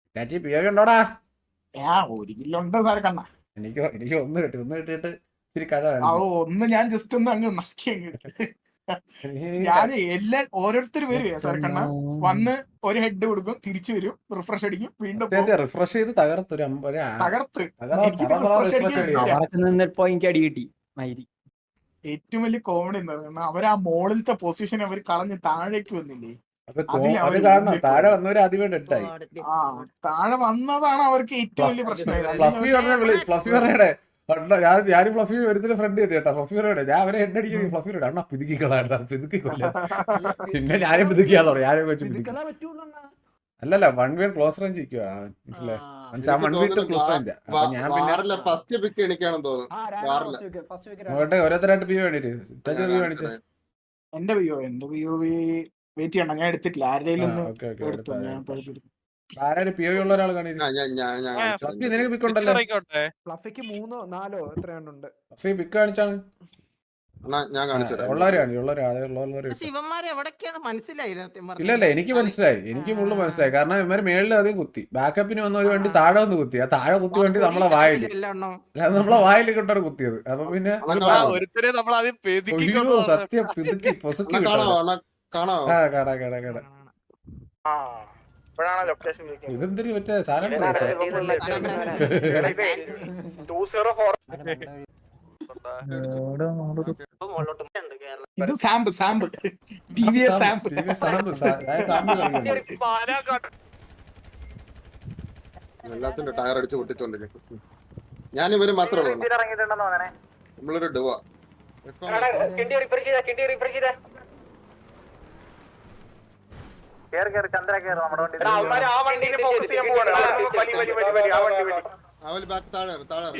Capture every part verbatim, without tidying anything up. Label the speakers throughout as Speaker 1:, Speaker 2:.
Speaker 1: ചാച്ചി P O ഉണ്ടോടാ?
Speaker 2: ഒരു kilo ഉണ്ട് സാറെ കണ്ണ.
Speaker 1: എനിക്ക് എനിക്ക് ഒന്ന് കിട്ടി, ഒന്ന് കിട്ടിയിട്ട് ഇച്ചിരി കഴ
Speaker 2: ഒന്ന് ഞാൻ ജസ്റ്റ് ഒന്ന് അങ്ങ് നക്കി അങ്ങ് ഞാൻ എല്ലാ ഓരോരുത്തർ വരും സാറെ കണ്ണ. വന്ന് ഒരു ഹെഡ് കൊടുക്കും, തിരിച്ചു വരും, റിഫ്രഷ് അടിക്കും, വീണ്ടും
Speaker 1: റിഫ്രഷ് ചെയ്ത് തകർത്ത്
Speaker 2: തകർത്ത്
Speaker 3: അടി കിട്ടി.
Speaker 2: ഏറ്റവും വലിയ കോമഡി എന്താ പറയുക, അവർ ആ മോളിലത്തെ പൊസിഷൻ അവർ കളഞ്ഞ് താഴേക്ക് വന്നില്ലേ?
Speaker 1: താഴെ വന്നവര് ആദ്യമേ ഡെഡായി.
Speaker 2: ആ താഴെ വന്നതാണ് അവർക്ക് ഏറ്റവും വലിയ പ്രശ്നം.
Speaker 1: ഫ്ലഫി പറയടെ ഞാനും ഫ്ലഫി വരുന്ന ഫ്രണ്ട് ചെയ്ത് കേട്ടോ. ഫ്ലഫി പറയടെ ഞാൻ അവരെ ഹെഡ് അടിക്കുന്നത് ഫ്ലഫി പറയട്ടെ അണ്ണാ പിതുക്കിക്കളാ പിതുക്കിക്കൊല്ല. പിന്നെ ഞാനും പിതുക്കിയാന്ന് പറഞ്ഞു. ഞാനും വെച്ച് പിതുക്കി. അല്ലല്ല വൺ വേ ക്ലോസ് റേഞ്ച് ഇരിക്കുവാണ് മനസ്സിലായി. ഓരോരുത്തരായിട്ട് പി വേണ്ടിട്ട്
Speaker 2: എന്റെ പിയോ എന്റെ പിയോ വെയിറ്റ് ചെയ്യണം, ഞാൻ എടുത്തിട്ടില്ല. ആരുടെയും
Speaker 1: ആരാരും പി ഒ ഉള്ള ഒരാൾ കാണില്ല. നിനക്ക് പിക്ക് ഉണ്ടല്ലോ.
Speaker 4: ഫ്ലഫിക്ക് മൂന്നോ നാലോ എത്രയാണ്ടുണ്ട്.
Speaker 1: ഫ്ലഫി പിക്ക് കാണിച്ചാണ് ഇല്ലല്ല എനിക്ക് മനസ്സിലായി, എനിക്ക് ഫുള്ള് മനസ്സിലായി. കാരണം ഇവര് മേളിൽ അധികം കുത്തി, ബാക്കപ്പിന് വന്ന ഒരു വണ്ടി താഴെ വന്ന് കുത്തി. ആ താഴെ കുത്തി വണ്ടി നമ്മളെ വായിൽ നമ്മളെ വായിൽ കൊണ്ടാണ് കുത്തിയത്. അപ്പൊ പിന്നെ സത്യം പിതുക്കി പൊസുക്കി ആ കാണാ കാണാ കാണാ ഇതെന്തൊരു മറ്റേ സാധനം.
Speaker 2: ഇത് സാമ്പ് സാമ്പ് ടി വി എസ് സാമ്പ്
Speaker 5: എല്ലാത്തിന്റെ ടയർ അടിച്ച് പൊട്ടിച്ചോണ്ടിരിക്കും. ഞാൻ ഇവര് മാത്രമേ ഉള്ളൂ. നമ്മളൊരു ഡുവ അവല് ബാക്ക് താഴെ താഴെ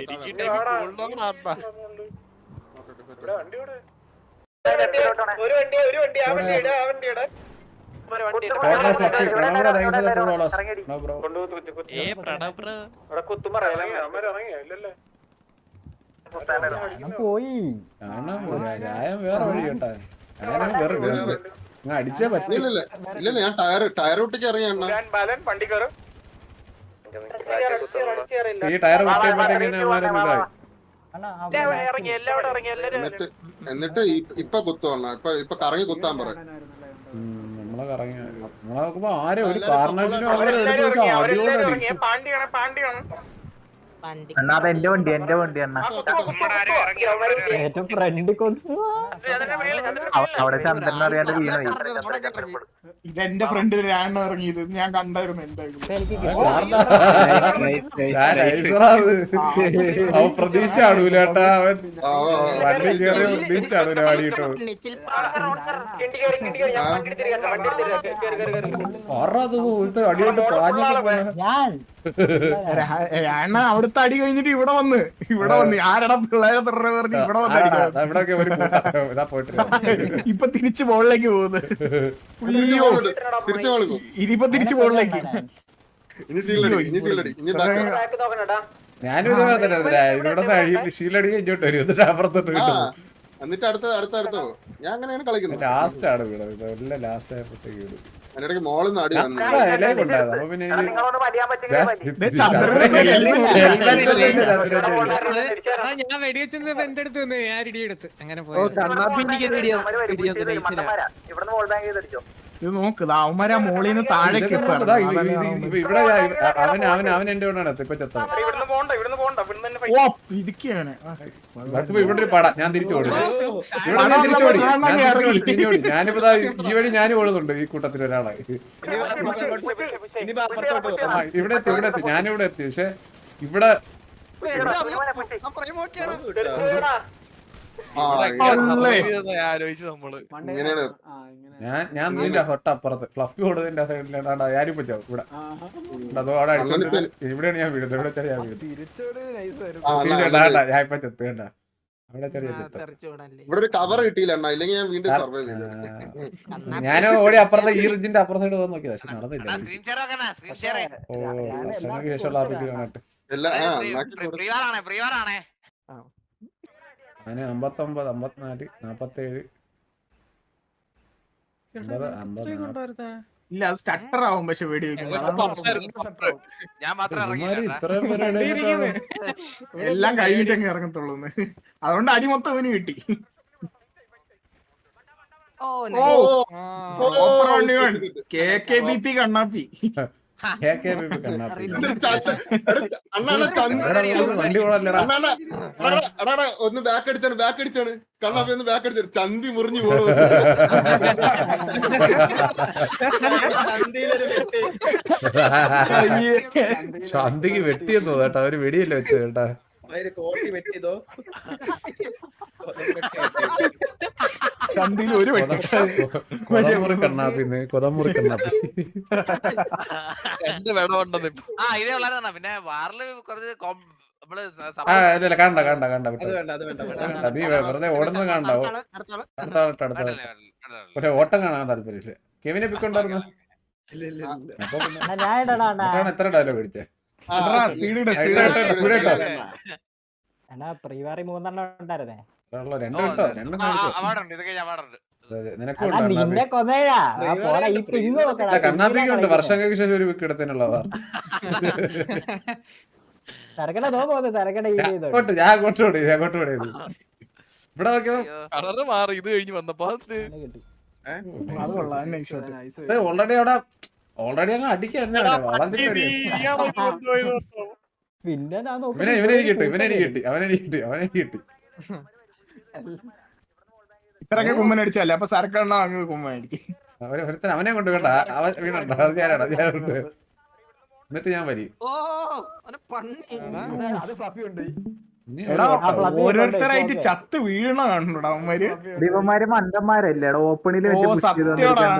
Speaker 1: പോയി വേറെ വഴി കേട്ടാ. അടിച്ചേ പറ്റില്ല.
Speaker 5: ഇല്ലല്ല ഞാൻ ടയർ ടയർ ഒട്ടിക്ക് ഇറങ്ങിയാണ്.
Speaker 1: ഈ ടയർ പൊട്ടിയപ്പോഴത്തേക്ക്
Speaker 5: എന്നിട്ട് എന്നിട്ട് ഇപ്പൊ കുത്തുവണ്ണ ഇപ്പൊ ഇപ്പൊ കറങ്ങി കുത്താൻ പറയും.
Speaker 1: നമ്മളെ കറങ്ങി നമ്മളെ നോക്കുമ്പോ ആരും ഒരു കാരണത്തിനും അവരെടുത്ത് വെച്ചാൽ അടിയോടടി
Speaker 3: എന്റെ വണ്ടി എന്റെ വണ്ടി അണ്ണ ഫ്രണ്ട് അവിടെ ചന്ദ്രൻ അറിയാണ്ട് വീണു.
Speaker 2: ഇതെന്റെ ഫ്രണ്ടിൽ ഞാൻ ഇറങ്ങിയത് ഞാൻ കണ്ടായിരുന്നു.
Speaker 1: അവൻ പ്രതീക്ഷ കാണൂലേട്ടാ. അവൻ വണ്ടി കയറിയ പ്രതീക്ഷ കാണൂല വാടിയിട്ടോ. അടിയോട്ട്
Speaker 2: പാഞ്ഞ അവിടുത്തെ അടി കഴിഞ്ഞിട്ട് ഇവിടെ വന്ന് ഇവിടെ വന്ന് ആരടാ പിള്ളേരെ പറഞ്ഞ് ഇവിടെ വന്ന് ഇപ്പൊ തിരിച്ചു മുകളിലേക്ക് പോകുന്നത്. ഇനിയിപ്പൊ തിരിച്ചു മുകളിലേക്ക്.
Speaker 1: ഞാനും ഇതേപോലെ തന്നെ ഇവിടെ ഷീലടി ഇങ്ങോട്ട് വരും എന്നിട്ട് അപ്പുറത്തോട്ട് കിട്ടും.
Speaker 5: എന്നിട്ട് അടുത്ത അടുത്ത അടുത്ത ഞാൻ അങ്ങനെയാണ് കളിക്കുന്നത്.
Speaker 1: ലാസ്റ്റ് ആണ് വീട് എല്ലാം ലാസ്റ്റ് ആയപ്പോഴത്തേക്ക് വീട്
Speaker 5: അതിനിടയ്ക്ക് മോളിൽ നിന്ന് അടി വന്നു.
Speaker 1: അപ്പൊ പിന്നെ
Speaker 4: ഞാൻ വെടിവെച്ചെന്ന് എന്റെ അടുത്ത് വന്ന് ഞാൻ ഇടിയെടുത്ത് അങ്ങനെ പോയി.
Speaker 2: ഇത് നോക്ക് അവന്മാരാ മോളിൽ നിന്ന് താഴേക്ക്.
Speaker 1: ഇവിടെ അവൻ അവൻ അവൻ എന്റെ കൂടെയാണ് ഇപ്പൊ ചത്ത.
Speaker 2: ഇതൊക്കെയാണ്
Speaker 1: ഇവിടെ ഒരു പട ഞാൻ തിരിച്ചു ഓടി ഇവിടെ ഞാൻ തിരിച്ചോടി ഞാൻ തിരിച്ചോടി ഞാനിപ്പോ ഈ വഴി ഞാനും ഓടുന്നുണ്ട്. ഈ കൂട്ടത്തിൽ ഒരാളായി ഇവിടെ എത്തി ഇവിടെ എത്തി ഞാനിവിടെ എത്തി. പക്ഷെ ഇവിടെ ഞാൻ ഞാൻ നിന്റെ തൊട്ടപ്പുറത്ത് ഫ്ലഫി ഓടുന്നതിന്റെ സൈഡിലാണ് ഞാനിപ്പോ ചാവും ഇവിടെ. അതോ അവിടെ അടിച്ചോണ്ട് ഇവിടെയാണ് ഞാൻ വീഴുന്നത്. ഇവിടെ ചെറിയ വീഴുന്നത് ഞാൻ ഇപ്പൊ ചെത്ത് കണ്ട അവിടെ ചെറിയ
Speaker 5: ഇവിടെ ഒരു കവർ കിട്ടിയില്ല. ഇല്ലെങ്കിൽ ഞാൻ വീണ്ടും സർവൈവ് ചെയ്തു.
Speaker 1: ഞാൻ ഓടി അപ്പുറത്തെ ഈ റിജിന്റെ അപ്പുറ സൈഡ് പോകാൻ നോക്കിയതാ. പക്ഷെ നടന്നില്ല. ഓ ഭക്ഷണക്ക് ശേഷമുള്ള ആ വീഡിയോ കാണട്ടെ. അതിന് അമ്പത്തൊമ്പത് അമ്പത്തിനാല് നാപ്പത്തേഴ് അമ്പത് അമ്പത്
Speaker 2: ഇല്ല അത് സ്റ്റട്ടർ ആവും പക്ഷെ വെടി വെക്കുമ്പോ
Speaker 6: ഞാൻ മാത്രം
Speaker 1: ഇവന്മാര്
Speaker 6: ഇറങ്ങിയില്ല
Speaker 1: ഇത്രയും പേര് ഇടയിലിട്ടാണ്.
Speaker 2: എല്ലാം കഴിഞ്ഞിട്ട് അങ്ങ് ഇറങ്ങത്തുള്ളൂ അതുകൊണ്ട് അടി മൊത്തം ഇവന് കിട്ടി ഓ ഓപ്പർ വണ്ടി കെ കെ ബി പി കണ്ണാപ്പി
Speaker 1: കെ കെ ബി പി കണ്ണാപ്പി.
Speaker 5: അണ്ണാ ചന്തി
Speaker 1: എടാ, ഇത് വണ്ടി കൊള്ളാല്ലടാ.
Speaker 5: അണ്ണാ എടാ, എടാ, എടാ, ഒന്ന് ബാക്ക് അടിച്ചാണ് ബാക്ക് അടിച്ചാണ് കണ്ണാപ്പി ഒന്ന് ബാക്ക് അടിച്ചാണ് ചന്തി മുറിഞ്ഞു പോകും
Speaker 1: ചന്തിക്ക് വെട്ടിയെന്ന് തോന്നുന്നു കേട്ടോ, അവര് വെടിയല്ലേ വെച്ചത് കേട്ടാ.
Speaker 2: ചന്തിയിൽ ഒരു വെട്ടി
Speaker 1: കൊതമുറി കണ്ണാപ്പിന്ന് കൊതമുറി കണ്ണാപ്പി.
Speaker 7: രണ്ട് വെടമുണ്ടെന്ന് ഇപ്പൊ.
Speaker 6: ആ ഇതേ ഉള്ളതാണ് പിന്നെ വാറില് കുറച്ച് കോം- നമ്മള് സ-
Speaker 1: ആ
Speaker 6: സ-
Speaker 1: ഇല്ല കണ്ട കണ്ട കണ്ട വിട്ടോ. കണ്ട, നീ വെറുതെ ഓടുന്നത് കാണണ്ടാവോ. അടുത്ത അടുത്ത അടുത്ത
Speaker 6: വേണ്ടല്ലേ, വേണ്ടല്ലേ, വേണ്ടല്ലേ.
Speaker 1: പക്ഷെ ഓട്ടം കാണാൻ താല്പര്യമില്ല. കെവിനെ പിക്കുണ്ടായിരുന്നു. അപ്പൊ പിന്നെ എന്നിട്ടാണ് എത്ര ഡയലോഗ് അടിച്ചേ.
Speaker 2: സ്പീഡ്
Speaker 8: പ്രീവാറി മൂന്നെണ്ണം ഉണ്ടായിരുന്നേ.
Speaker 1: ഉള്ള രണ്ട്
Speaker 6: ഓ,
Speaker 1: കേട്ടോ, രണ്ടും
Speaker 6: ആ,
Speaker 1: കാണിച്ചോ.
Speaker 6: അവാർഡുണ്ട് ഇതൊക്കെ അവാർഡുണ്ട്.
Speaker 1: നിനക്കും
Speaker 8: എടാ,
Speaker 1: ഉണ്ട്
Speaker 8: നിന്നെ കൊന്നേടാ ആ, പോടാ, ഈ പിങ് നോക്കടാ,
Speaker 1: കണ്ണാപ്പിക്ക് ഉണ്ട്
Speaker 8: പിങ്ങിനാ
Speaker 1: വർഷങ്ങൾക്ക് ശേഷം ഒരു വിക്ക് എടുത്തതിനുള്ള അവർ.
Speaker 8: തിരക്കട നോ പോകുന്നത് തിരക്കട ഈ ചെയ്തോ.
Speaker 1: അങ്ങോട്ട് ഞാൻ അങ്ങോട്ട് ഓടി ഞാൻ അങ്ങോട്ട് ഓടിയത്. ഇവിടെ നോക്കിയോ
Speaker 6: അയ്യോ.
Speaker 7: കളറ് മാറി ഇത് കഴിഞ്ഞ് വന്നപ്പോ അത്
Speaker 8: കിട്ടി.
Speaker 2: അത് കൊള്ളാം നൈസ് ഷോട്ട്
Speaker 1: ഓൾറെഡി അവിടെ ഓൾറെഡി അങ്ങ് അടിക്കാൻ വളഞ്ഞിട്ട്
Speaker 8: പിന്നെ ഞാൻ
Speaker 1: ഇവനെ ഇവനെ എനിക്ക് കിട്ടി ഇവനെ എനിക്ക് കിട്ടി അവനെ എനിക്ക് കിട്ടി അവനെ എനിക്ക് കിട്ടി.
Speaker 2: ഇത്രയൊക്കെ കുമ്മൻ അടിച്ചല്ലേ അപ്പൊ സർക്കെണ്ണ അങ്ങ് കുമ്മൻ അടിക്കും
Speaker 1: അവനെ ഒരുത്തൻ അവനെ കൊണ്ട് വേണ്ട അവൻ വീണുണ്ടോ അത് ഞാനാടാ ഞാനുണ്ട്. എന്നിട്ട് ഞാൻ വരി ഇനി ഒരു
Speaker 2: എടാ
Speaker 1: ഓട്ടം.
Speaker 2: ഓരോരുത്തരായിട്ട് ചത്ത് വീഴണ കാണുന്നുണ്ടോ അവന്മാര്
Speaker 3: ഇവന്മാര് മണ്ടന്മാരല്ലേ ഓപ്പണിൽ
Speaker 2: ഓ, സത്യമാടാ.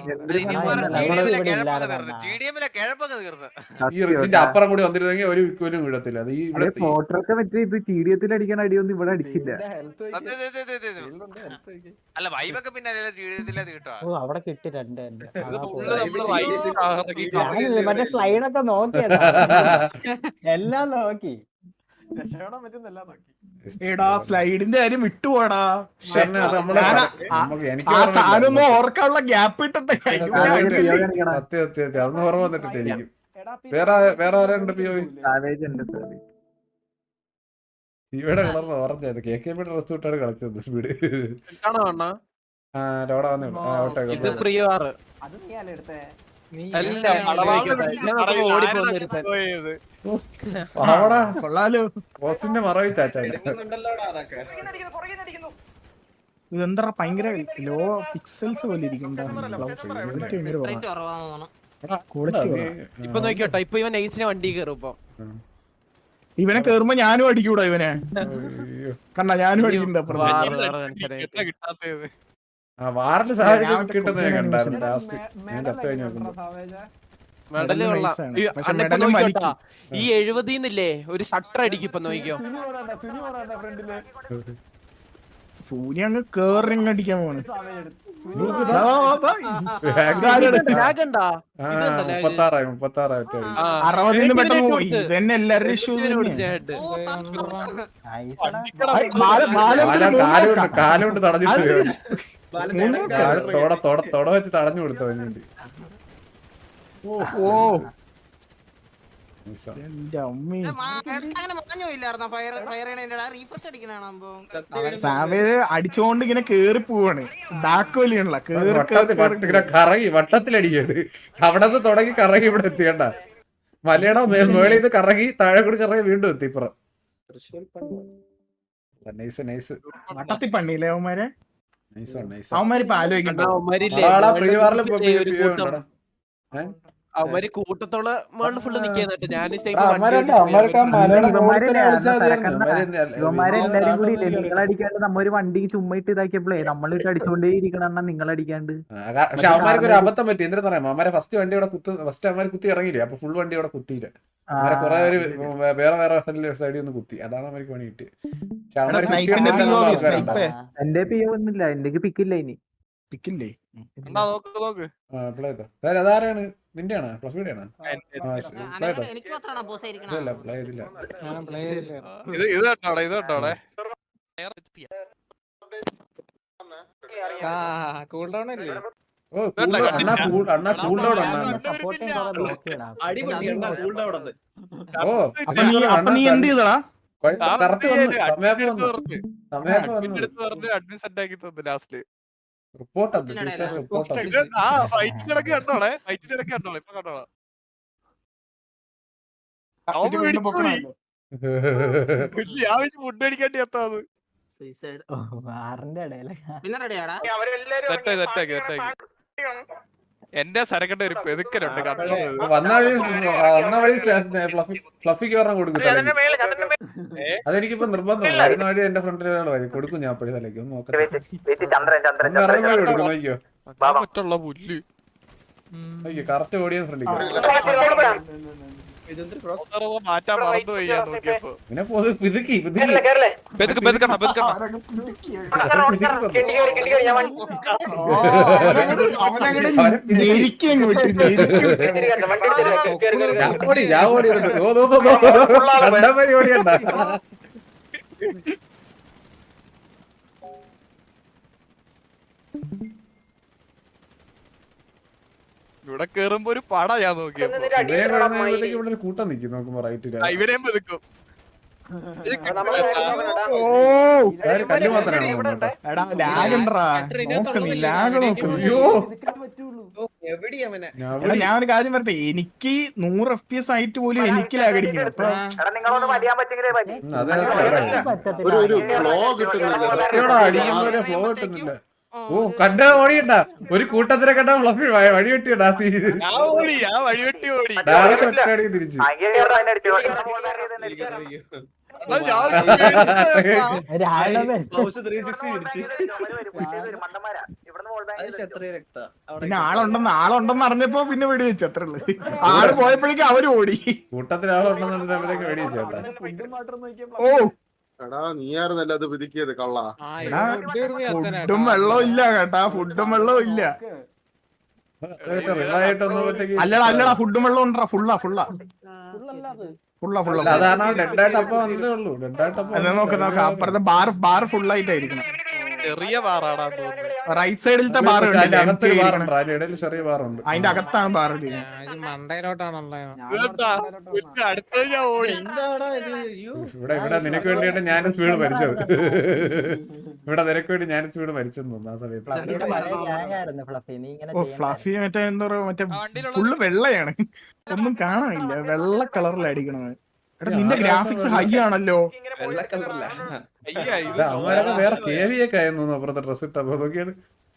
Speaker 6: ടി ഡി എമ്മിലെ കിഴപ്പൊക്കെ തീർന്ന്.
Speaker 1: ഈ റിച്ചിന്റെ അപ്പുറം കൂടി വന്നിരുന്നെങ്കിൽ ഒരു വിക്കോലും വീഴത്തില്ല. അത് ഈ ഇവിടെ
Speaker 3: ഫോട്ടോക്കെ മറ്റേ ഇത് ടിഡിയത്തിൽ അടിക്കണ അടിയൊന്നും ഇവിടെ അടിച്ചില്ല.
Speaker 6: അതെ, അതെ, അതെ, അതെ, അതെ. അല്ല വൈബൊക്കെ പിന്നെ അതേ ജീവിതത്തിലത് കിട്ടുക.
Speaker 8: ഓ അവിടെ കിട്ടി രണ്ട് എന്റെ.
Speaker 7: ഇത് full നമ്മള് റൈറ്റ് കറക്കി
Speaker 8: ഞാൻ മറ്റേ സ്ലൈഡൊക്കെ നോക്കിയതാ എല്ലാം നോക്കി.
Speaker 2: എടാ സ്ലൈഡിന്റെ കാര്യം വിട്ടുപോടാ
Speaker 1: ഷെറിനെ അത് നമ്മള്
Speaker 2: ഞാനാ-
Speaker 1: നമുക്ക് എനിക്ക്
Speaker 2: ആ
Speaker 1: ഓർമ്മയില്ല.
Speaker 2: സാധനം ഓർക്കാനുള്ള ഗ്യാപ്പ് ഇട്ടട്ടെ
Speaker 1: സത്യം സത്യം സത്യം അതൊന്നും ഓർമ്മ വന്നിട്ടില്ല എനിക്ക്. വേറെ വേറെ ആരുണ്ട് പി ഒ
Speaker 3: സാവേജ് ഉണ്ട് സാവേജ്.
Speaker 1: ഇവിടെ കളറിന് ഓറഞ്ചായത് കെ കെ ബിയുടെ ഡ്രസ് ഇട്ടാണ് കളിച്ചത് സ്പീഡ്.
Speaker 7: കാണോ അണ്ണാ
Speaker 1: ആ ലോഡ വന്നു
Speaker 7: ഇത് പ്രിയവാറ് അല്ല
Speaker 1: അവിടെ
Speaker 2: കൊള്ളാലോ
Speaker 1: പോസ്റ്റിന്റെ മറവി ചാച്ചാ.
Speaker 2: ഇതെന്താ ഭയങ്കര ലോ പിക്സൽസ് പോലെ
Speaker 7: ഇപ്പൊ നോക്കിയോട്ടോ ഇപ്പൊ ഇവൻ നൈസിനെ വണ്ടി കയറും ഇപ്പൊ.
Speaker 2: ഇവനെ കേറുമ്പോ ഞാനും അടിക്കൂടാ ഇവനെ കണ്ട ഞാനും അടിക്കുന്നുണ്ട് അപ്പുറത്ത്.
Speaker 7: വാറ് വേറെ മനുഷ്യരെ കിട്ടാത്തത്
Speaker 1: ആ വാറിന്റെ സാഹചര്യം കിട്ടുന്നത് ഞാൻ കണ്ടായിരുന്നു ലാസ്റ്റ്. ഞാൻ ചത്തു കഴിഞ്ഞു നോക്കുമ്പോ
Speaker 7: മെഡല് കൊള്ളാം.
Speaker 2: nice ആണ്.
Speaker 7: ഈ
Speaker 2: പക്ഷെ
Speaker 7: അണ്ണ ഇപ്പൊ
Speaker 2: medal
Speaker 7: നോക്കിയോട്ടാ ഈ എഴുപതിന്നില്ലേ ഒരു ഷട്ടർ അടിക്കും ഇപ്പൊ നോക്കിയോ.
Speaker 2: സൂര്യ അങ്ങ് കേറി അടിക്കാൻ പോണ്
Speaker 7: ലാഗ് ഉണ്ടാ
Speaker 1: ആ മുപ്പത്താറായി മുപ്പത്താറായി ഒറ്റ അടി.
Speaker 2: അറുപതിന് പെട്ടെന്ന് പോയി ഇതന്നെ എല്ലാവരുടെ ഇഷ്യൂ
Speaker 1: കാല കാലുകൊണ്ട് കാലുകൊണ്ട് തടഞ്ഞിട്ട് കാല് തോട തോട തോട വെച്ച് തടഞ്ഞു കൊടുത്തു അതിന് വേണ്ടി.
Speaker 2: ഓ
Speaker 1: മിസ്സാ.
Speaker 2: എന്റെ അമ്മേ
Speaker 6: അങ്ങനെ മാഞ്ഞോ ഇല്ലായിരുന്നോ ഫയർ ഫയർ റീഫ്രഷ് അടിക്കണോ.
Speaker 2: സാവേജ് അടിച്ചോണ്ട് ഇങ്ങനെ കേറി പോവാണ് ഡാക്കോലിയാണല്ലോ കേറി
Speaker 1: വട്ടത്തിൽ വട്ട- ഇങ്ങനെ കറങ്ങി വട്ടത്തിലടിക്കണ്ട് അവിടെ നിന്ന് തുടങ്ങി കറങ്ങി ഇവിടെ എത്തിയണ്ട മലയുടെ മേ- മേളിൽ നിന്ന് കറങ്ങി താഴെ കൂടി കറങ്ങി വീണ്ടും എത്തി ഇപ്പുറം. നൈസ് നൈസ്
Speaker 2: വട്ടത്തി പണിയില്ലേ അവന്മാരെ
Speaker 1: നൈസ് നൈസ്.
Speaker 2: അവന്മാരിപ്പൊ ആലോചിക്കണ്ട
Speaker 7: അവന്മാര് കൂട്ടത്തോള് മേളില് ഫുള്ള് നിക്കാന്നിട്ട് ഞാൻ
Speaker 3: ഇവന്മാരെല്ലാരും കൂടി ഇല്ലേ നിങ്ങളടിക്കാണ്ട് നമ്മ ഒരു വണ്ടി ചുമ്മാ ഇട്ട് ഇതാക്കിയപ്പോഴേ നമ്മളിട്ട് അടിച്ചോണ്ടേ ഇരിക്കണം നിങ്ങളടിക്കാണ്ട്.
Speaker 1: പക്ഷെ അവന്മാർക്ക് ഒരു അബദ്ധം പറ്റി. എന്തിനാ പറയാം അവന്മാരെ ഫസ്റ്റ് വണ്ടി അവിടെ കുത്ത് ഫസ്റ്റ് അവന്മാർ കുത്തി ഇറങ്ങിയില്ലേ അപ്പൊ ഫുൾ വണ്ടി അവിടെ കുത്തിയില്ല. അവരെ കുറെ പേര് വേറെ വേറെ സൈഡിൽ ഒന്ന് കുത്തി അതാണ് അവർക്ക് പണി കിട്ടി. പക്ഷെ അവന്മാര് ആൾക്കാരുണ്ട്.
Speaker 3: എന്റെ പി ഒന്നുമില്ല എന്റെ പിക്കില്ല ഇനി
Speaker 2: പിക്കില്ലേ
Speaker 7: നോക്ക് നോക്ക്
Speaker 1: അപ്ലൈ ചെയ്തോ. അതാരാണ് നിന്റെയാണ് ഫ്ലഫിയുടെ ആണ് അപ്ലൈ ചെയ്തോ.
Speaker 6: എനിക്ക് മാത്രമാണ് ബോസ്
Speaker 1: ഇല്ല അപ്ലൈ ചെയ്തില്ല.
Speaker 7: ഇത് ഇത് കേട്ടോടെ ഇത് കേട്ടോടെ
Speaker 4: കൂൾ ഡൗൺ അല്ലേ
Speaker 1: ഓ cool down. അണ്ണാ cool- അണ്ണാ കൂൾ ഡൗൺ അണ്ണാ
Speaker 8: സപ്പോർട്ടിങ് കുറെ നോക്കിയടാ
Speaker 1: ഓ
Speaker 2: അപ്പൊ നീ അപ്പൊ നീ എന്ത് ചെയ്തടാ?
Speaker 1: കറക്റ്റ് വന്നു സമയത്ത് വന്നു സമയത്ത് വന്നു
Speaker 7: അഡ്മിൻ സെറ്റ് ആക്കി തന്നു ലാസ്റ്റ്.
Speaker 1: റിപ്പോർട്ട് റിപ്പോർട്ട്
Speaker 7: ആ ഫൈറ്റിന്റെ ഇടയ്ക്ക് കണ്ടോളെ, ഫൈറ്റിന്റെ ഇടയ്ക്ക് കണ്ടോളെ, ഇപ്പൊ കണ്ടോളാം.
Speaker 2: ഇത് വീണ്ടും പൊക്കണല്ലേ?
Speaker 7: ഞാൻ ഫുഡ് അടിക്കാണ്ടി എത്താത്.
Speaker 8: ആറിന്റെ ഇടയിലെ
Speaker 7: സെറ്റായി സെറ്റാക്കി സെറ്റാക്കി. എന്റെ സരക്കട്ടെ ഒരു പെതുക്കലുണ്ട് കണ്ടോ.
Speaker 1: വന്ന വഴി വന്ന വഴി ഫ്ലഫി ഫ്ലഫിക്ക് പറഞ്ഞ കൊടുക്കും അതെനിക്കിപ്പോ നിർബന്ധമാണ്. വരുന്ന വഴി എന്റെ ഫ്രണ്ടിൽ ഒരാൾ വരും കൊടുക്കും ഞാൻ അപ്പഴേ തലേക്ക് ഒന്ന് നോക്കട്ടെ ഇറങ്ങുന്ന വഴി കൊടുക്കും നോക്കിയോ
Speaker 7: മറ്റുള്ള പുല്ല്
Speaker 1: നോക്കിയോ കറക്റ്റ് ഓടിയ ഫ്രണ്ടിൽ
Speaker 7: മാറ്റാൻ മറന്നുപോയി ഞാൻ നോക്കിയപ്പോ.
Speaker 1: പിന്നെ പിതുക്കി പിതുക്കി
Speaker 7: പെതുക്ക് പെതുക്കണം പെതുക്കണം.
Speaker 2: ആരൊക്കെ പിതുക്കിയത്?
Speaker 1: പിതുക്കി
Speaker 2: അവനങ്ങട് ഞെരുക്കി അങ്ങ് വിട്ടു, ഞെരുക്കി വിട്ടു.
Speaker 1: ഞാൻ ഓടി ഞാൻ ഓടി രണ്ടാമരി ഓടിയണ്ട
Speaker 7: ഇവിടെ കേറുമ്പോ ഒരു പട ഞാൻ നോക്കിയപ്പോ.
Speaker 1: ഇവരെ കഴിയുമ്പോഴത്തേക്ക് ഇവിടെ ഒരു കൂട്ടം നിൽക്കും നോക്കുമ്പോ റൈറ്റില്
Speaker 7: ആ, ഇവരെയും പെതുക്കും.
Speaker 1: കല്ല് മാത്രമാണ് കേട്ടോ.
Speaker 2: എടാ ലാഗ് ഉണ്ടറാ, നോക്കുന്നു ലാഗ് നോക്കുന്നു.
Speaker 1: അയ്യോ
Speaker 2: എടാ ഞാൻ ഒരു കാര്യം പറയട്ടെ, എനിക്ക് നൂറ് എഫ് പി എസ് ആയിട്ട് പോലും എനിക്ക് ലാഗ് അടിക്കണം. അപ്പൊ
Speaker 1: അതെ
Speaker 5: ഒരു ഒരു ഫ്ലോ കിട്ടുന്നില്ല.
Speaker 1: അടിക്കുമ്പോ ഫ്ലോ കിട്ടുന്നില്ല. ഓ കണ്ട ഓടിയണ്ട ഒരു കൂട്ടത്തിനെ കണ്ട ഫ്ലഫി വഴി വെട്ടിയണ്ടാ
Speaker 7: ഞാൻ ഓടി ഞാൻ വഴിവെട്ടി ഓടി.
Speaker 1: ഡയറക്ഷൻ ഒറ്റയടിക്ക് തിരിച്ചു
Speaker 7: അതാ ഞാൻ
Speaker 8: രാണവൻ
Speaker 2: പിന്നെ ആളുണ്ടെന്ന് ആളുണ്ടെന്ന് അറിഞ്ഞപ്പോ പിന്നെ വെടി വെച്ചു, അത്രേ ഉള്ളു. ആള് പോയപ്പോഴേക്കും അവര് ഓടി.
Speaker 1: കൂട്ടത്തിൽ ആളുണ്ടെന്നുള്ള സമയത്തേക്ക് വെടി വെച്ചു കേട്ടാ.
Speaker 2: ഓ
Speaker 5: എടാ നീയായിരുന്നല്ല അത് പിതുക്കിയത് കള്ള.
Speaker 2: ഫുഡും വെള്ളവും ഇല്ല കേട്ടാ, ഫുഡും വെള്ളവും ഇല്ല.
Speaker 1: റിവായിട്ട് വന്നപ്പോഴത്തേക്ക്
Speaker 2: അല്ലടാ അല്ലടാ ഫുഡും വെള്ളവും ഉണ്ടാ, ഫുള്ളാ ഫുള്ളാ ഫുള്ളാ ഫുള്ളാ.
Speaker 1: അതാണ് ഡെഡായിട്ട് അപ്പൊ വന്നതേ ഉള്ളൂ. ഡെഡായിട്ട് അപ്പൊ
Speaker 2: അതെ നോക്ക നോക്ക അപ്പുറത്തെ ബാർ ബാർ ഫുള്ളായിട്ടായിരിക്കണം.
Speaker 7: ചെറിയ പാറാടാ തോന്നുന്നു.
Speaker 2: റൈറ്റ് സൈഡിലത്തെ ബാർ
Speaker 1: അകത്തൊരു ബാറുണ്ട്, അതിന്റെ ഇടയിൽ ചെറിയ ബാറുണ്ട്.
Speaker 2: അതിന്റെ അകത്താണ് ബാർ.
Speaker 4: മണ്ടയിലോട്ടാണല്ലോ.
Speaker 7: ഇതെന്താ? പിന്നെ അടുത്തത് ഞാൻ ഓടി.
Speaker 1: ഇവിടെ ഇവിടെ നിനക്ക് വേണ്ടിയിട്ട് ഞാൻ സ്പീഡ് മരിച്ചത്. ഇവിടെ നിനക്ക് വേണ്ടി ഞാൻ സ്പീഡ് മരിച്ചെന്ന് തോന്നുന്നു ആ സമയത്ത്.
Speaker 8: ഫ്ലഫി നീ ഇങ്ങനെ
Speaker 2: ഓ ഫ്ലഫി മറ്റേ എന്താ പറയാ മറ്റേ ഫുള്ള് വെള്ളയാണ്, ഒന്നും കാണാനില്ല, വെള്ള കളറിൽ അടിക്കണത്. എടാ നിന്റെ ഗ്രാഫിക്സ് ഹൈ ആണല്ലോ.
Speaker 7: അയ്യാ ഇത്
Speaker 1: അവന്മാരൊക്കെ വേറെ കേവിയൊക്കെ ആയെന്ന് തോന്നുന്നു അപ്പുറത്തെ ഡ്രസ് ഇട്ടപ്പോ നോക്കിയാണ്.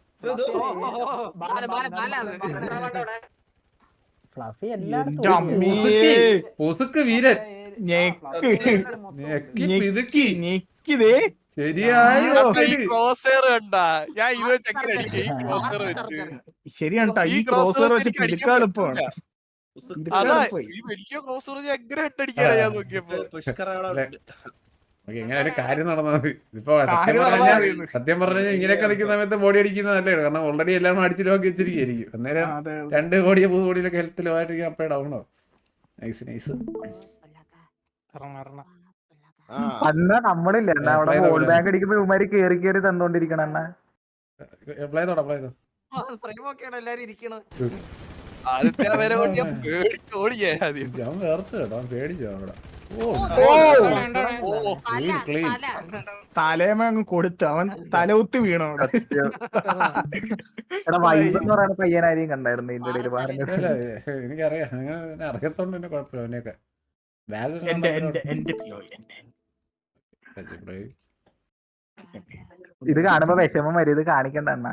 Speaker 8: ഫ്ലഫി
Speaker 2: എന്റെ
Speaker 8: എല്ലായിടത്തും
Speaker 2: അമ്മേ.
Speaker 1: പൊസുക്ക് വീരൻ
Speaker 2: ഞെക്ക്
Speaker 1: ഞെക്കി
Speaker 2: ഞെക്കി
Speaker 1: പിതുക്കി
Speaker 2: ഞെക്കിതേ
Speaker 1: ശരിയായോ
Speaker 7: ഈ ക്രോസർ കണ്ടാ ഞാൻ ഇത് വെച്ച് എങ്ങനെ അടിക്കും? ഈ ക്രോസർ വെച്ച്
Speaker 2: ശരിയാണ് ട്ടാ, ഈ ക്രോസർ വെച്ച് പിടിക്കാൻ എളുപ്പമാണ്.
Speaker 7: അതാ ഈ വലിയ ക്രോസർ വെച്ച് എങ്ങനെ ഹെഡടിക്കാനാ ഞാൻ നോക്കിയപ്പോ.
Speaker 1: ഓക്കേ, ഇങ്ങനെ ഒരു കാര്യം നടന്നാൽ മതി. ഇപ്പൊ സത്യം
Speaker 2: കാര്യം നടന്നാ
Speaker 1: പറഞ്ഞാൽ
Speaker 2: മതി.
Speaker 1: സത്യം പറഞ്ഞാൽ ഇങ്ങനെയൊക്കെ നിൽക്കുന്ന സമയത്ത് ബോഡി അടിക്കുന്നത് നല്ലതാണ്. കാരണം ഓൾറെഡി എല്ലാം അടിച്ചു നോക്കി വെച്ചിരിക്കും. അന്നേരം
Speaker 2: അതെ
Speaker 1: രണ്ട് കോടിയോ മൂന്ന് കോടിയിലൊക്കെ ഹെൽത്തിൽ ആയിട്ടിരിക്കും. അപ്പഴേ ഡൗണോ. Nice nice.
Speaker 3: അന്ന് നമ്മളില്ല എന്നാ അവിടെ ഗോൾ ബാങ്ക് അടിക്കുമ്പോ ഇവന്മാര് കേറി കേറി തന്നോണ്ടിരിക്കണ എന്നാ
Speaker 1: അപ്ലൈ ചെയ്തോടാ അപ്ലൈ ചെയ്തോ.
Speaker 7: ആദ്യത്തെ വരെ കൊണ്ട് ഞാൻ പേടിച്ച് ഓടിയേ ആദ്യം.
Speaker 1: ഞാൻ വേർത്ത് കേട്ടോ, അവൻ പേടിച്ചു അവിടെ. ഓ ക്ലീൻ.
Speaker 2: തലേമ അങ്ങ് കൊടുത്ത് അവൻ തലകുത്തി വീണു അവിടെ.
Speaker 3: എടാ വൈബ് എന്ന് പറയുന്ന പയ്യനാരെയും കണ്ടായിരുന്നു ഇതിന്റെ ഇടയിൽ പറഞ്ഞു.
Speaker 1: എനിക്കറിയാം, അങ്ങനെ അറിയത്തോണ്ട് തന്നെ കുഴപ്പമില്ല. അവനെയൊക്കെ ബാഗ്
Speaker 2: എന്റെ എന്റെ എന്റെ പിയോ എന്റെ
Speaker 3: ഇത് കാണുമ്പോ വിഷമം വരും. ഇത് കാണിക്കണ്ട അണ്ണാ,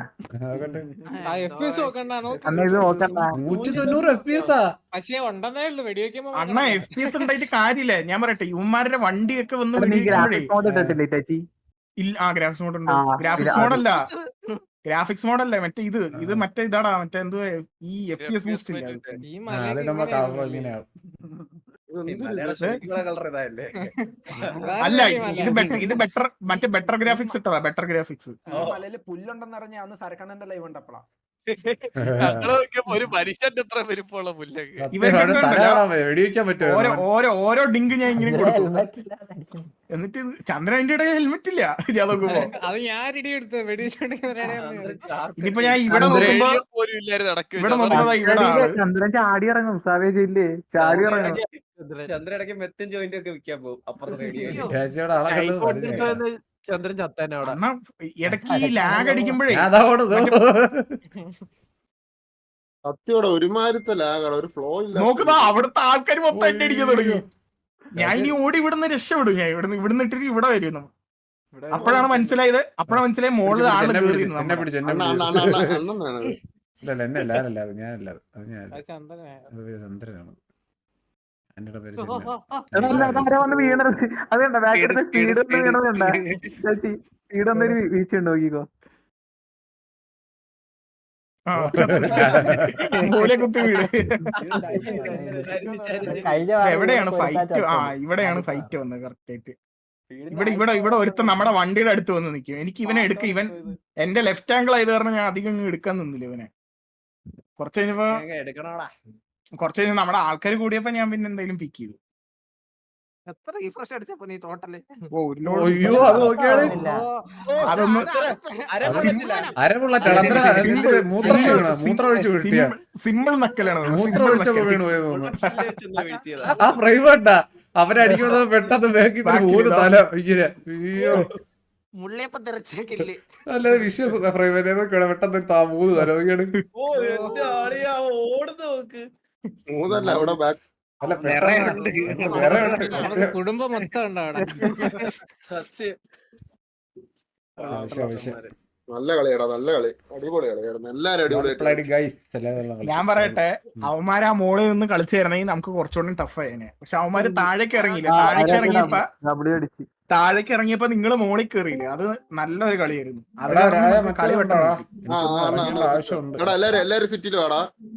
Speaker 3: അണ്ണ ഇത് നോക്കണ്ട.
Speaker 1: നൂറ്റി തൊണ്ണൂറ് എഫ് പി എസ്
Speaker 4: പക്ഷേ ഉണ്ടെന്നേ ഉള്ളു വെടിവെക്കുമ്പോ.
Speaker 2: അണ്ണ എഫ് പി എസ് ഉണ്ടായിട്ട് കാര്യമില്ല. ഞാൻ പറയട്ടെ, ഇവന്മാരുടെ വണ്ടിയൊക്കെ വന്ന്
Speaker 3: നീ
Speaker 2: വെടിവെക്കുമ്പോഴേ
Speaker 3: ഗ്രാഫിക്സ് മോഡ് ഇട്ടിട്ടില്ലേ ചേച്ചി?
Speaker 2: ഇല്ല. ആ ഗ്രാഫിക്സ് മോഡ് ഉണ്ട്.
Speaker 3: ആ,
Speaker 2: ഗ്രാഫിക്സ്
Speaker 3: ഇത്
Speaker 2: മോഡല്ല ഗ്രാഫിക്സ് മോഡല്ലേ മറ്റേ ഇത് ഇത് മറ്റേ ഇതാടാ മറ്റേ എന്തോ ഈ എഫ് പി എസ് ബൂസ്റ്റ് ഇല്ല.
Speaker 4: ഈ
Speaker 1: അതിനുമ്പോ കളർ ഇങ്ങനെയാവും.
Speaker 2: അല്ല ഇത് ബെറ്റർ ഇത് ബെറ്റർ മറ്റേ ബെറ്റർ ഗ്രാഫിക്സ് ഇട്ടതാ, ബെറ്റർ ഗ്രാഫിക്സ്.
Speaker 9: പുല്ലുണ്ടെന്ന് അറിഞ്ഞ അന്ന് സരക്കണ്ണന്റെ ലൈവ് ഉണ്ടപ്പോളാ
Speaker 7: ഞങ്ങള് നോക്കിയപ്പോ ഒരു മനുഷ്യന്റെ എത്ര വലിപ്പമുള്ള പുല്ലൊക്കെ.
Speaker 2: ഇവരുടെ
Speaker 1: തല കാണാൻ വയ്യ, വെടിവെക്കാൻ പറ്റുമോ
Speaker 2: ഓരോ ഓരോ ഓരോ ഡിങ്ക് ഞാൻ ഇങ്ങനെ കൊടുക്കും.
Speaker 8: ഹെൽമെറ്റ് ഇല്ലാതെ അടിക്കുന്നു.
Speaker 2: എന്നിട്ട് ചന്ദ്രൻ അതിന്റെ ഇടയിൽ ഹെൽമെറ്റ് ഇല്ല. ഞാൻ നോക്കുമ്പോ
Speaker 4: അത് ഞാൻ ഇടി എടുത്ത് വെടിവെച്ചോണ്ടിരിക്കുന്ന
Speaker 2: ഇനിയിപ്പോ ഞാൻ ഇവിടെ നോക്കുമ്പോ
Speaker 7: റേഡിയോ പോലും ഇല്ലായിരുന്നു നടക്കുക.
Speaker 2: ഇവിടെ നോക്കുമ്പോ ഇവിടെ ആള്
Speaker 3: ചന്ദ്രൻ ചാടി ഇറങ്ങും സാവേജ് ഇല്ലേ ചാടി ഇറങ്ങും.
Speaker 9: ചന്ദ്രടക്ക് മെത്തും ജോയിന്റ് ഒക്കെ വിൽക്കാൻ പോകും അപ്പുറത്ത് റേഡിയോ.
Speaker 1: ഇറ്റാച്ചിയുടെ ആളെ കണ്ട് പരിചയമായി.
Speaker 7: ചന്ദ്രൻ ചത്താനെ അവിടെ.
Speaker 2: കാരണം ഇടയ്ക്ക് ഈ ലാഗ് അടിക്കുമ്പോഴേ
Speaker 1: ഞാൻ അതാ ഓടുന്നു.
Speaker 5: സത്യോടെ ഒരുമാതിരത്തെ ലാഗാണ്, ഒരു ഫ്ലോ ഇല്ല.
Speaker 2: നോക്കുമ്പോ അവിടുത്തെ ആൾക്കാർ മൊത്തം എന്നെ അടിക്കാൻ തുടങ്ങി. ഞാൻ ഇനി ഓടി ഇവിടുന്ന് രക്ഷപ്പെടും. ഞാൻ ഇവിടുന്ന് ഇവിടുന്ന് ഇട്ടിട്ട് ഇവിടെ വരുന്നു. അപ്പോഴാണ് മനസ്സിലായത് അപ്പോഴാണ് മനസ്സിലായത് മോളിൽ ആള്
Speaker 1: എന്നെ
Speaker 2: കയറി
Speaker 1: പിടിച്ച് എന്നെ പിടിച്ച് എന്നെ
Speaker 5: അണ്ണ
Speaker 1: പിടിച്ച്.
Speaker 5: അണ്ണ അണ്ണ അണ്ണ അണ്ണനാണ്.
Speaker 1: ഇല്ലല്ല എന്നെ അല്ല ഞാനല്ല അത് ഞാനല്ല അത് അത് ഞാനല്ല
Speaker 4: ചന്ദ്രനെ
Speaker 1: അത് ചന്ദ്രനാണ്. എന്റെ പേര്
Speaker 3: അതല്ല അതാരെ വന്ന് വീണത് അതുണ്ട ബാക്കിൽ സ്പീഡ് ഒന്ന് വീണതുണ്ട സ്പീഡ് ഒന്നൊരു വീഴ്ച ഉണ്ട് നോക്കിക്കോ.
Speaker 2: മൂലെ കുത്തി വീട്.
Speaker 8: കഴിഞ്ഞ
Speaker 2: എവിടെയാണ് ഫൈറ്റ്? ആ ഇവിടെയാണ് ഫൈറ്റ് വന്നത് കറക്റ്റ് ആയിട്ട്. ഇവിടെ ഇവിടെ ഇവിടെ ഒരുത്തൻ നമ്മുടെ വണ്ടിയുടെ അടുത്ത് വന്ന് നിൽക്കും. എനിക്ക് ഇവനെ എടുക്ക ഇവൻ എന്റെ ലെഫ്റ്റ് ആംഗിൾ ആയത് കാരണം ഞാൻ അധികം ഇങ്ങ് എടുക്കാൻ നിന്നില്ല ഇവനെ. കുറച്ച് കഴിഞ്ഞപ്പോ
Speaker 9: എടുക്കണോടാ.
Speaker 2: കുറച്ച് കഴിഞ്ഞ് നമ്മുടെ ആൾക്കാർ കൂടിയപ്പോ ഞാൻ പിന്നെ എന്തെങ്കിലും പിക്ക് ചെയ്തു.
Speaker 7: എത്ര റീഫ്രഷ് അടിച്ചപ്പോ നീ ടോട്ടല്?
Speaker 2: ഓ ഒരു ലോഡ്
Speaker 1: അയ്യോ അത് നോക്കിയാണ്
Speaker 2: അതൊന്ന്
Speaker 1: അരമുള്ള ചടത്ര മൂത്രം വീണ മൂത്രം ഒഴിച്ച് വീഴ്ത്തിയ
Speaker 2: സിമ്പിൾ നക്കലാണ്.
Speaker 1: മൂത്രം ഒഴിച്ചപ്പോ വീണു പോയത് തോന്നുന്നു. ആ ഫ്രെയിം വേണ്ടാ അവരടിക്കുന്നത് പെട്ടെന്ന് ബാക്കി മൂന്ന് തല ഇങ്ങനെ. അയ്യോ
Speaker 7: മുള്ളിയപ്പം തെറച്ചേക്കില്ലേ?
Speaker 1: അല്ല വിശ്വസ് ഫ്രെയിം പെട്ടെന്ന് താ മൂന്ന് തല ഇങ്ങനെ.
Speaker 9: ഓ എന്റെ ആളിയാ ഓടുന്ന നോക്ക്.
Speaker 5: മൂന്നല്ല അവിടെ ബാക്ക്.
Speaker 1: അല്ല പെട്ടെന്ന് വേറെ ഉണ്ട്.
Speaker 4: കുടുംബം മൊത്തം ഉണ്ട് അവിടെ.
Speaker 9: സത്യം.
Speaker 1: വിഷയം വിഷയം
Speaker 5: നല്ല കളിയാടാ, നല്ല കളി, അടിപൊളി കളിയായിരുന്നു. എല്ലാരും അടിപൊളിയായിട്ട്.
Speaker 1: ഗൈസ്
Speaker 2: ഞാൻ പറയട്ടെ, അവന്മാര് ആ മോളിൽ നിന്ന് കളിച്ചു തരണമെങ്കിൽ നമുക്ക് കുറച്ചുകൂടി ടഫ് ആയേനെ. പക്ഷെ അവന്മാര് താഴേക്ക് ഇറങ്ങിയില്ല. താഴേക്ക് ഇറങ്ങിയപ്പോ
Speaker 3: ഡബ്ല്യു അടിച്ച്
Speaker 2: താഴേക്ക് ഇറങ്ങിയപ്പോ നിങ്ങള് മോളിൽ കയറിയില്ലേ, അത് നല്ലൊരു കളിയായിരുന്നു. അത്
Speaker 1: എടാ,
Speaker 2: കാരണം
Speaker 1: രായ
Speaker 2: നമുക്ക് കളി
Speaker 1: മറ്റേ
Speaker 2: പെട്ടെന്ന്
Speaker 1: ഉണ്ടോടാ?
Speaker 2: കിട്ടി.
Speaker 5: ആ, ആ, ആ, ആ.
Speaker 1: ആവശ്യമുണ്ട്.
Speaker 5: എടാ എല്ലാരും എല്ലാരും സിറ്റിയിൽ വാടാ.